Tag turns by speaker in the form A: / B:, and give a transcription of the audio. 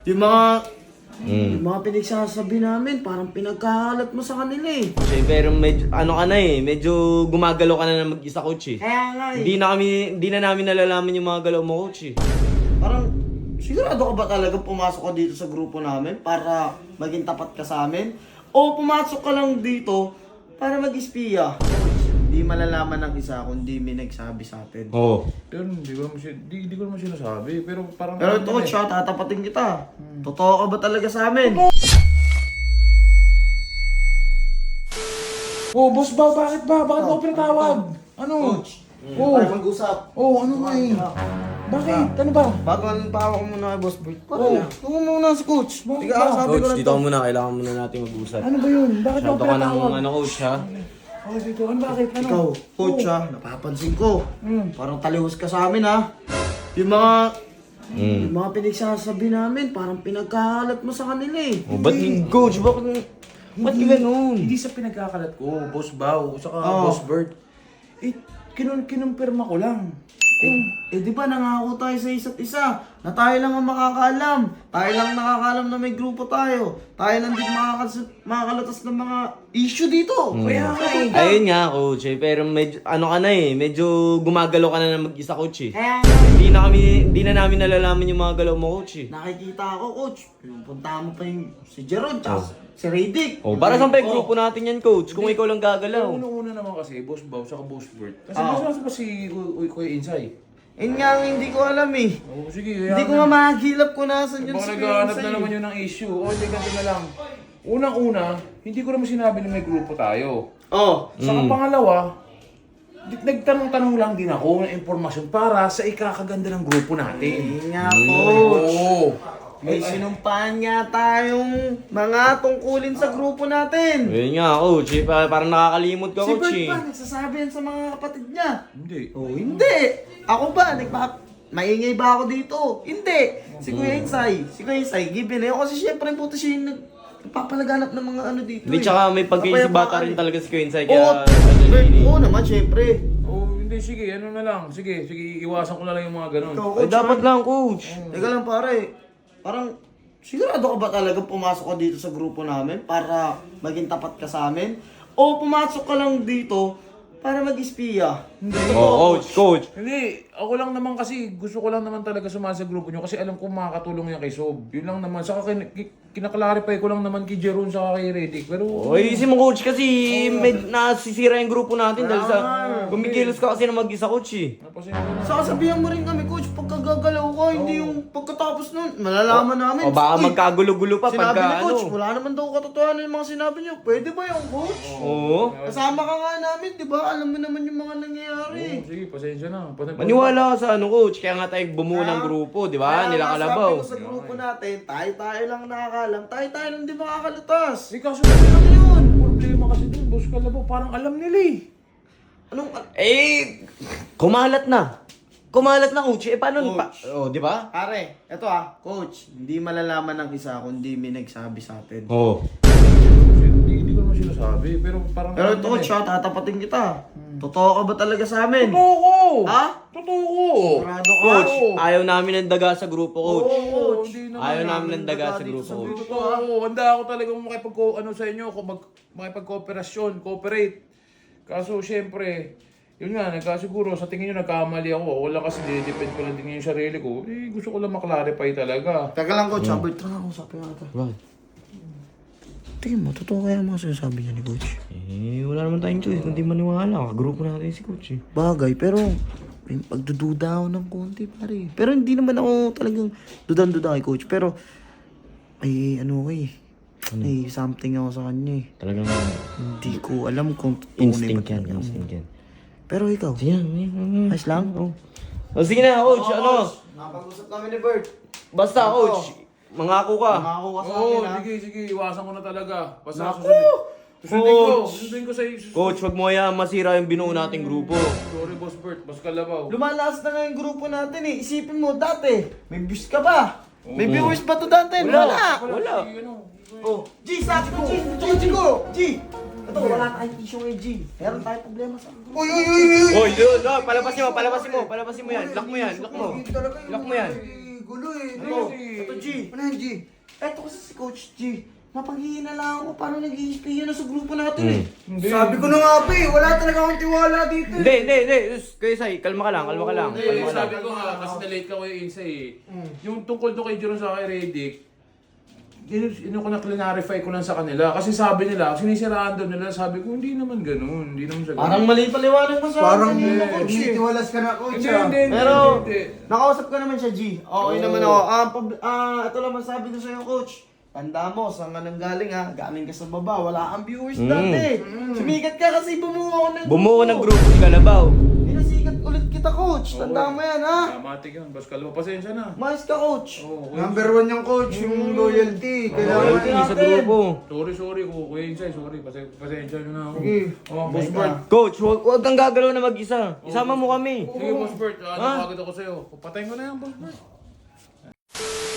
A: Yung mga pinagsasabi namin, parang pinagkakalat mo sa kanila eh.
B: Pero medyo, ano ka na eh, medyo gumagalaw ka na mag-isa, coach eh.
A: Kaya nga eh.
B: Hindi na namin nalalaman yung mga galaw mo, coach eh.
A: Parang, sigurado ka ba talaga pumasok ka dito sa grupo namin para maging tapat ka sa amin? O pumasok ka lang dito para mag-espiya? Hindi malalaman ng isa kung di may nagsabi sa atin.
B: Oo.
C: Pero hindi ko naman sinasabi. Pero parang...
A: Pero ito, coach, tatapatin kita. Totoo ka ba talaga sa amin?
C: Oh, boss ba? Bakit ba? Bakit mo pinatawag? Ano?
A: Coach,
C: Oh.
A: tayo mag-usap.
C: Oh, ano nga eh? Bakit? Ano ba?
A: Bago anong tawa ko muna kay Boss Bert.
C: Oh.
A: Tungo muna si Coach.
C: Bakit
A: Tiga,
C: ba?
A: sabi ko
B: Coach,
A: lang
B: dito
A: to.
B: ka muna. Kailangan muna natin mag-usap.
C: Ano ba yun? Bakit mo
B: Masyado ka ng
C: pinatawag?
B: ano, coach, ha?
C: Oh, dito. Ano bakit? Ano?
A: Ikaw, Coach
C: Oh.
A: ha, napapansin ko.
C: Hmm.
A: Parang talihos ka sa amin ha. Yung mga pinagsasabi namin, parang pinagkakalat mo sa kanila eh.
B: Oh, ba't coach? Ba't ka ganun?
C: Hindi sa pinagkakalat ko, Boss Bao, saka
A: Oh.
C: Boss Bert. Eh, kinumpirma ko lang.
A: Di ba nangako tayo sa isa't isa na tayo lang ang makakaalam. Tayo lang nakakaalam na may grupo tayo. Tayo lang din makakalatas ng mga issue dito. Kaya nga eh.
B: Ayun nga, coach eh. Pero medyo, ano ka na eh, medyo gumagalaw ka na mag-isa, coach eh.
A: Kaya nga eh.
B: Hindi na namin nalalaman yung mga galaw mo, coach eh.
A: Nakikita ako, Coach. Punta mo pa yung si Jerome, tsaka si Raydick.
B: Oh, para saan pa yung grupo natin yan, coach? Kung ikaw lang gagalaw.
C: Una naman kasi, Boss Bao, saka Boss Bert. Kasi
A: Ah.
C: mas pa si Kuya Insay.
A: Yun nga ang hindi ko alam eh.
C: Oh, sige.
A: Hindi ko nga mahagilap kung nasan yun
C: Baka
A: si
C: naghahanap
A: Kuya
C: na
A: Insay.
C: naman yun ng issue. O, hindi, ganito na lang. Unang-una, hindi ko naman sinabi na may grupo tayo.
A: Oh.
C: Saka pangalawa, nagtanong-tanong lang din ako ng impormasyon para sa ikakaganda ng grupo natin.
A: Yun nga, Coach.
C: Oo.
A: May sinumpaan nga tayong mga tungkulin sa grupo natin.
B: Ayun nga, coach eh. Parang nakakalimot ka,
A: Si
B: coach
A: Bert
B: eh.
A: pa, nagsasabi yan sa mga kapatid niya.
C: Hindi.
A: Oh, hindi. Ako ba? Maingay ba ako dito? Hindi. Si Kuya Insay. Si Kuya Insay, given eh. Kasi syempre puto siya yung nagpapalaganap ng mga ano dito
B: Hindi,
A: eh.
B: tsaka may pagkaisibata
A: Kapayapaan
B: rin
A: eh.
B: talaga si Quincy.
A: Oo,
B: Kaya,
A: Bert, oo naman, syempre.
C: Oh, hindi, sige, ano na lang. Sige, iwasan ko na lang yung mga ganun.
A: Ikaw,
B: Ay,
A: Coach,
B: dapat
A: ha?
B: lang, coach.
A: Teka lang pare, parang sigurado ka ba talaga pumasok ka dito sa grupo namin para maging tapat ka sa amin? O pumasok ka lang dito para mag-espiya?
B: Oh, coach.
C: Hindi, ako lang naman kasi, gusto ko lang naman talaga sumama sa grupo nyo kasi alam ko makakatulong yan kay Sob. Yun lang naman. Saka kinaklarify ko lang naman kay Jeron saka kay Redick. Pero,
B: Oy, si mo coach kasi nasisira yung grupo natin dahil sa kumikilos ka kasi na mag-isa, coach eh.
C: napasin ko na.
A: Saka sabihan mo rin kami, Coach, pagkagagalaw ka, hindi yung pagkatapos nun, malalaman namin.
B: O baka
A: Uy,
B: magkagulo-gulo pa
A: sinabi
B: pagka
A: ni Coach,
B: ano.
A: wala naman daw katotohanan yung mga sinabi niyo. Pwede ba yung Coach?
B: Oo.
A: Kasama ka nga namin, di ba? Alam mo naman yung mga nangyayari.
C: Sige, pasensya na.
B: Maniwala ka sa ano, coach. Kaya nga tayo bumuo ng grupo, di ba?
A: Kaya
B: Nila
A: nga,
B: Kalabaw.
A: sabi ko sa grupo natin, tayo-tayo lang nakakalam, tayo-tayo lang di makakalutas.
C: Eh, kaso ano yun? Problema kasi dun, Boss Kalabaw. Parang alam nila eh.
A: Anong,
B: Eh, kumalat na. Kumalat na, coach. Eh, paano?
A: Coach.
B: Oh, di ba?
A: pare, eto Coach, hindi malalaman ng isa kung di may nagsabi sa atin.
B: Oo.
C: Hindi ko naman sinasabi. Pero parang...
A: Pero ito, Coach, tatapatin kita. Totoo ka ba talaga sa amin?
C: Totoo ko!
A: Ha?
C: Totoo ko!
A: Sigurado ka?
B: Coach,
C: Oo.
B: ayaw namin ng daga sa grupo, coach.
C: Oo, hindi naman.
B: Ayaw namin ng daga sa
A: dito
B: grupo,
A: sa
B: coach.
A: grupo.
C: Totoo, handa ako talagang ano sa inyo, makipag-cooperasyon, cooperate. Kaso syempre, yun nga, nagkasiguro, sa tingin nyo nagkamali ako. Wala kasi depend ko lang din yung sarili ko. Eh, gusto ko lang maklarify talaga.
A: Teka lang, Coach. Albert, tara, usapin natin.
B: Bakit?
A: Tingin mo, totoo kaya mga sinasabi niya ni Coach?
B: Eh, wala naman tayong choice. Kundi maniwala. Grupo natin si coach eh.
A: Bagay, pero may pagdududa ako ng konti, pare. Pero hindi naman ako talagang dudan-duda kay Coach. Pero, ay, ano ko eh. May something ako sa kanya eh.
B: Talagang
A: Hindi ko alam kung totoo na
B: instinct
A: ba
B: yan.
A: talaga.
B: Instinct yan.
A: Pero ikaw,
B: Sige na.
A: ayos lang? Oo.
B: Oh, sige na, coach. Ano?
A: Napag-usap namin ni Bert.
B: Basta, coach. Mangako ka.
A: Mangako ka sa
C: Oo,
A: akin, ha?
C: sige, iwasan ko na talaga. Basta
A: Naku!
C: susundin ko sa
B: Coach, wag mo hayaan masira yung binuo nating grupo.
C: Sorry, Boss Bert, Boss Kalabaw.
A: Lumalakas na nga yung grupo natin eh. Isipin mo, dati, may views ka ba? May viewers ba to dati? Wala!
B: Wala.
A: Oh, G, sabi ko, G ko! G! Ito, wala tayong issue ngayon, G. Meron tayong problema sa... Uy!
B: Oy, yun. No, palabasin mo yan. Lock mo yan. Lock mo. Lock mo yan.
D: gulo eh.
A: Ito,
C: Kasi-
A: ito G.
D: Ano yan, G?
A: Eto kasi si Coach G. Napanghihina lang ako paano nag-i-spia na sa grupo natin eh.
C: Hindi.
D: Sabi ko na nga pa eh, wala talaga akong tiwala dito eh.
B: Hindi. Kuya Sai, kalma ka lang.
C: Hindi,
B: Kalma ka lang.
C: sabi ko nga, kasi na-late ka kay Insa eh. Yung tungkol doon kay Jeron sa kay Redick, ko na clarify ko lang sa kanila. Kasi sabi nila, sinisiraan doon nila, sabi ko, hindi naman ganun. Hindi naman siya ganun.
A: Parang mali paliwanag mo sa
D: Parang
A: akin kanina, Coach eh.
D: tinitiwalas ka na, coach
C: Hindi,
D: ah.
C: hindi, hindi.
A: Pero,
C: hindi.
A: nakausap ko naman siya, G. Okay naman ako. Ito lang masabi ko sa'yo, Coach. Tanda mo, saan ka nang galing ha? Galing ka sa baba, wala kang viewers dati. Sumikat ka kasi bumuo ako ng
B: Bumuo ng grupo si Kalabaw.
A: Pinasikat ulit kita, Coach. Tanda mo yan, ha?
C: Dramatic yun. Bas kalma, pasensya na.
A: Mais ka, Coach.
C: Oo,
D: Number 1 yung coach, yung loyalty. Kailangan.
B: Loyalty sa grupo.
C: sorry ko, Kuya Insay, sorry. Pasensya nyo na ako.
D: Sige.
C: Oh, Boss Bert.
B: Coach, huwag kang gagalaw na mag-isa. Isama mo kami.
C: Sige, Boss Bert. Napagod ako sa'yo. Patayin ko na yan, Boss Bert.